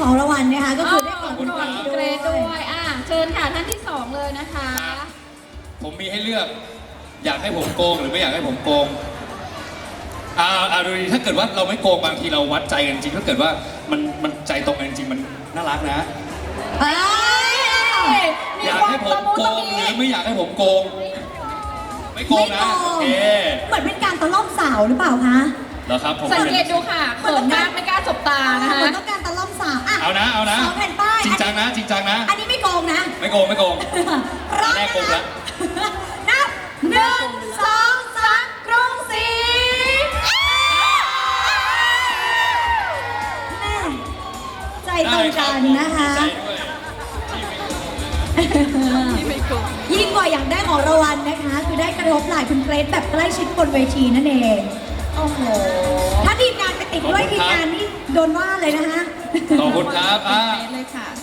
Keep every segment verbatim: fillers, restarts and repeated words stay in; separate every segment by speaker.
Speaker 1: ของรางวัลนะคะก็คือได้ของ
Speaker 2: ขอบคุณครับ
Speaker 1: ด้
Speaker 3: เก
Speaker 1: ว
Speaker 3: ร
Speaker 1: ย
Speaker 3: ดด้วยอ่ะเชิญค่ะท่านที่สองเลยนะคะ
Speaker 2: ผมมีให้เลือก อยากให้ผมโกงหรือไม่อยากให้ผมโกงอ่าอ่าดูดิถ้าเกิดว่าเราไม่โกงบางทีเราวัดใจกันจริงถ้าเกิดว่ามันมันใจตรงกันจริงมันน่ารักนะ
Speaker 1: เอ้ย
Speaker 2: อยากให้ผมโกงหรือไม่อยากให้ผมโกง ไม่โกงนะโอเค
Speaker 1: เหมือนเป็นการตะล่อมสาวหรือเปล่าคะ
Speaker 2: เหรอครับผม
Speaker 3: สังเกตดูค่ะเขินมากไม่กล้าสบตานะคะ
Speaker 1: เหมือนต้องการตะล่อมสาวอ่ะ
Speaker 2: เอานะเอานะ
Speaker 1: สองแผ่นป้าย
Speaker 2: จริงจังนะจริงจังนะ
Speaker 1: อันนี้ไม่โกงนะ
Speaker 2: ไม่โกงไม่โกง
Speaker 1: พร้อม
Speaker 2: แรกโกง
Speaker 1: นะ
Speaker 2: แล้
Speaker 1: คะ
Speaker 2: ว
Speaker 1: นับหนึ่งสองสามกรุงศรีแม่ใจตรงกันนะคะ
Speaker 2: ได้รับผมดีใจด้วยที่ไม่โกง
Speaker 1: ยิ่งกว่าอยากได้ของรางวัลนะคะ คือได้กระทบไหล่คุณเกรซแบบใกล้ชิดบนเวทีนั่นเอง
Speaker 3: โอ้โห
Speaker 1: ถ้าทีมงานไปติดด้วยทีมงานนี่โดนว่าเลยนะคะ
Speaker 2: ขอบคุณครับอ่า
Speaker 3: เกรดเลยค่ะ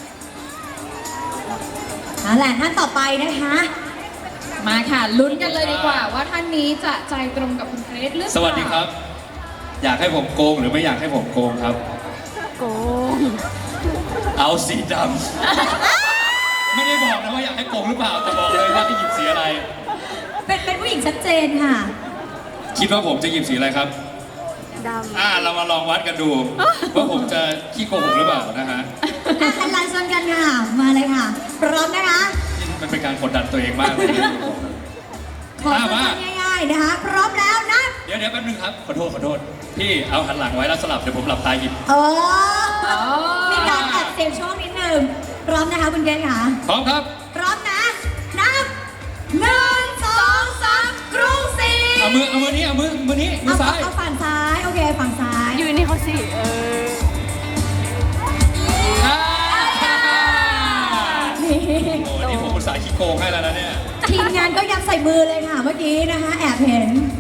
Speaker 1: เอาแหละท่านต่อไปนะคะ
Speaker 3: มาค่ะลุ้นกันเลยดีกว่า ว่าท่านนี้จะใจตรงกับคุณเกรซหรือเปล่า
Speaker 2: สวัสดีครับ อยากให้ผมโกงหรือไม่อยากให้ผมโกงครับ
Speaker 4: โกง
Speaker 2: เอาสีดำ ไม่ได้บอกนะว่าอยากให้โกงหรือเปล่าแต่บอกเลยว่าให้หยิบสีอะไร
Speaker 1: เป็นเป็นผู้หญิงชัดเจนค่ะ
Speaker 2: คิดว่าผมจะหยิบสีอะไรครับ
Speaker 4: ดำ
Speaker 2: อ่าเรามาลองวัดกันดู ว่าผมจะขี้โกหกหรือเปล่านะฮะ
Speaker 1: อ่ะคันลานชนกันค่ะ มาเลยค่ะ พร้อมนะคะ
Speaker 2: มันเป็นการกดดันตัวเองมากเลยนะ
Speaker 1: ขอ
Speaker 2: อ่ะ
Speaker 1: สั้
Speaker 2: มา
Speaker 1: นๆง่ายๆนะคะ พร้อมแล้วนะ
Speaker 2: เดี๋ยวเดี๋ยวแป๊บนึงครับ ขอโทษขอโทษ พี่เอาหันหลังไว้แล้วสลับเดี๋ยวผมหลับตาหยิบ
Speaker 1: เอ
Speaker 3: อ๋
Speaker 1: อ
Speaker 3: อ
Speaker 1: มีการแอบเสียงโชคนิดนึงพร้อมนะคะคุณเกณฑ์ค่ะ
Speaker 2: พร้อมครับ
Speaker 1: พร้อมนะ นับหนึ่งสองสามกรุงศรี
Speaker 2: เอามือเอามือนี้เอามือมือนี้มือ
Speaker 1: เอา
Speaker 2: ซ้าย
Speaker 1: เอาฝั่งซ้าย โอเค ฝั่งซ้าย
Speaker 4: อยู่นี่เขาสิเออ
Speaker 2: อ่า
Speaker 1: นี่
Speaker 2: โอ้นี่ผมอุตส่าห์ขี้โกงให้แล้วนะเนี่ย
Speaker 1: ทีมงานก็ยัดใส่มือเลยค่ะ เมื่อกี้นะคะ แอบเห็น